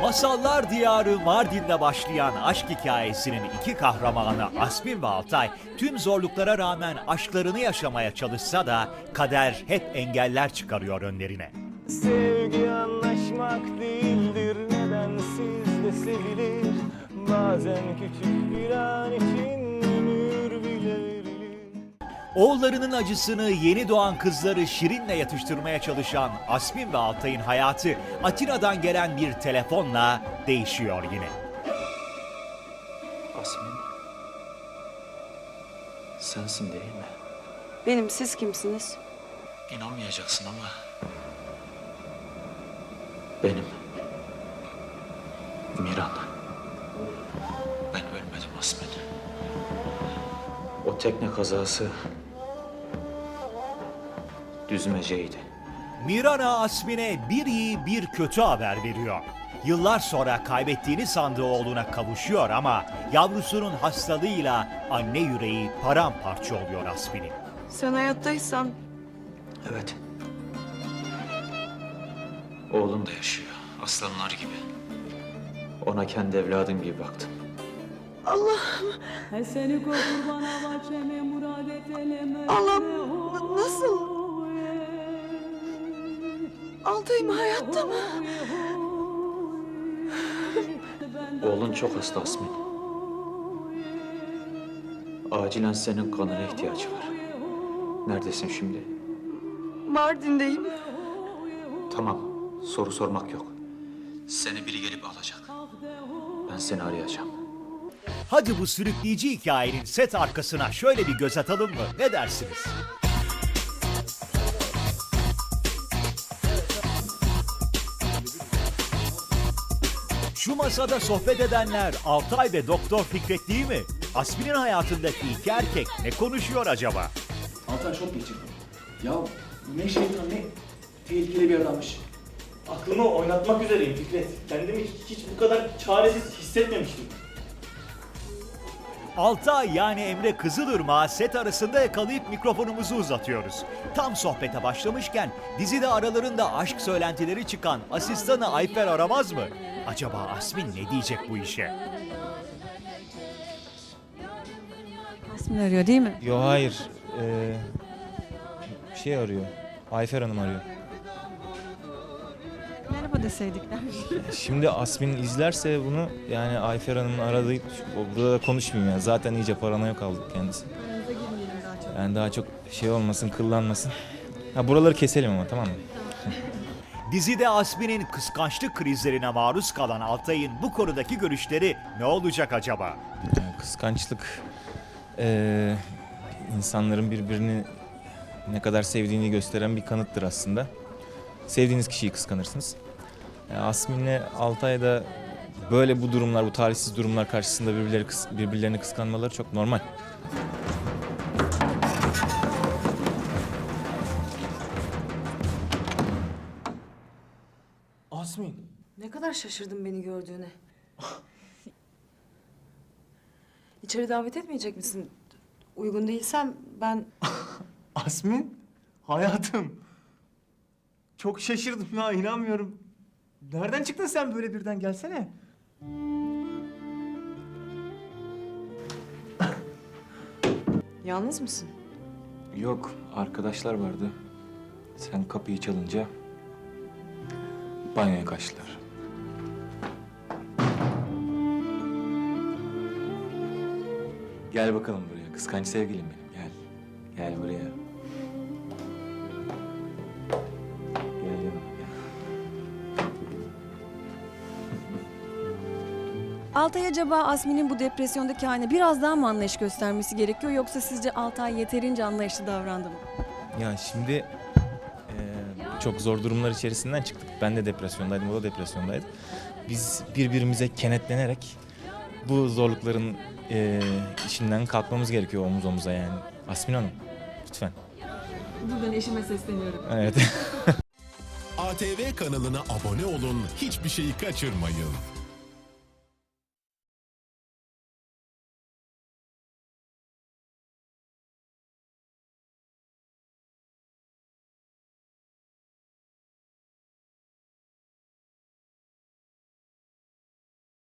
Masallar diyarı Mardin'de başlayan aşk hikayesinin iki kahramanı Asmin ve Altay tüm zorluklara rağmen aşklarını yaşamaya çalışsa da kader hep engeller çıkarıyor önlerine. Sevgi anlaşmak değildir, nedensiz de sevilir. Bazen küçük bir an için ömür bile verilir. Oğullarının acısını yeni doğan kızları Şirin'le yatıştırmaya çalışan Asmin ve Altay'ın hayatı Atina'dan gelen bir telefonla değişiyor yine. Asmin, sensin değil mi? Benim, siz kimsiniz? İnanmayacaksın ama benim. Miran. Ben ölmedim Asmin. O tekne kazası düzmeceydi. Mirana Asmin'e bir iyi bir kötü haber veriyor. Yıllar sonra kaybettiğini sandığı oğluna kavuşuyor ama yavrusunun hastalığıyla anne yüreği paramparça oluyor Asmin'in. Sen hayattaysan Evet. Oğlum da yaşıyor. Aslanlar gibi. Ona kendi evladım gibi baktım. Seni kurbana bahçeme murad eteleme. Allah'ım, nasıl? Altay'ım hayatta mı? Oğlun çok hasta Asmin. Acilen senin kanına ihtiyacı var. Neredesin şimdi? Mardin'deyim. Tamam, soru sormak yok. Seni biri gelip alacak. Ben seni arayacağım. Hadi bu sürükleyici hikayenin set arkasına şöyle bir göz atalım mı? Ne dersiniz? Şu masada sohbet edenler Altay ve Doktor Fikret değil mi? Asmin'in hayatındaki iki erkek ne konuşuyor acaba? Altay çok geçirdi. Ya ne şeytan ne tehlikeli bir adammış. Aklımı oynatmak üzereyim Fikret. Kendimi hiç bu kadar çaresiz hissetmemiştim. Altay yani Emre Kızılırmak'ı set arasında yakalayıp mikrofonumuzu uzatıyoruz. Tam sohbete başlamışken dizide aralarında aşk söylentileri çıkan asistanı Ayfer aramaz mı? Acaba Asmin ne diyecek bu işe? Asmin arıyor değil mi? Yo hayır. Şey arıyor. Ayfer Hanım arıyor. Merhaba deseydikler. Şimdi Asmin izlerse bunu yani Ayfer Hanım'ın aradığı burada da konuşmayayım yani. Zaten iyice paranoya kaldı kendisi. Yani daha çok şey olmasın, kıllanmasın. Ha buraları keselim ama tamam mı? Dizide Asmin'in kıskançlık krizlerine maruz kalan Altay'ın bu konudaki görüşleri ne olacak acaba? Yani kıskançlık insanların birbirini ne kadar sevdiğini gösteren bir kanıttır aslında. Sevdiğiniz kişiyi kıskanırsınız. Asmin'le Altay da böyle bu durumlar, bu talihsiz durumlar karşısında birbirlerini kıskanmaları çok normal. Asmin. Ne kadar şaşırdım beni gördüğüne. İçeri davet etmeyecek misin? Uygun değilsem ben... Asmin? Hayatım. Çok şaşırdım ya, inanmıyorum. Nereden çıktın sen böyle birden, gelsene. Yalnız mısın? Yok, arkadaşlar vardı. Sen kapıyı çalınca banyoya kaçtılar. Gel bakalım buraya, kıskanç sevgilim benim. Gel, gel buraya. Gel yanıma, gel. Altay acaba Asmin'in bu depresyondaki haline biraz daha mı anlayış göstermesi gerekiyor yoksa sizce Altay yeterince anlayışlı davrandı mı? Ya şimdi çok zor durumlar içerisinden çıktık. Ben de depresyondaydım, o da depresyondaydı. Biz birbirimize kenetlenerek bu zorlukların içinden kalkmamız gerekiyor omuz omuza yani. Asmin Hanım, lütfen. Buradan eşime sesleniyorum. Evet. ATV kanalına abone olun, hiçbir şeyi kaçırmayın.